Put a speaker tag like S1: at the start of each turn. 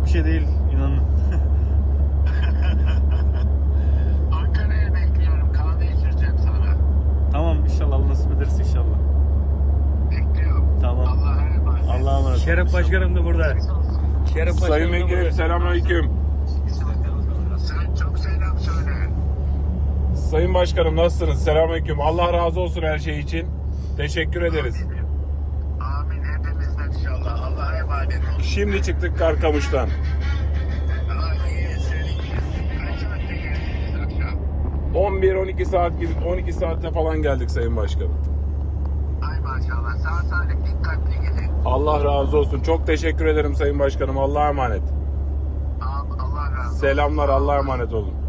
S1: şey değil inanın.
S2: Ankara'ya bekliyorum. Kahve içireceğim sana.
S1: Tamam inşallah Allah nasip ederse inşallah.
S2: Bekliyorum.
S1: Tamam.
S2: Allah'a emanet.
S1: Allah'a emanet.
S3: Şeref Başkanım da burada. Şeref Başkanım
S4: Sayın
S3: da
S4: Vekilim
S3: burada.
S4: selamünaleyküm.
S2: Sen çok selam söyle.
S4: Sayın Başkanım nasılsınız? Selamünaleyküm. Allah razı olsun her şey için. Teşekkür ederiz.
S2: Amin hepimizden inşallah. Allah'a emanet olun.
S4: Şimdi çıktık Karkamış'tan.
S2: İyi senin. Kaç saatte geldiniz akşam?
S4: 11-12 saat gibi 12 saatte falan geldik Sayın Başkanım.
S2: Ay maşallah. Sağ salim dikkatli gidin.
S4: Allah razı olsun. Çok teşekkür ederim Sayın Başkanım. Allah'a emanet.
S2: Allah razı olsun.
S4: Selamlar. Allah'a emanet olun.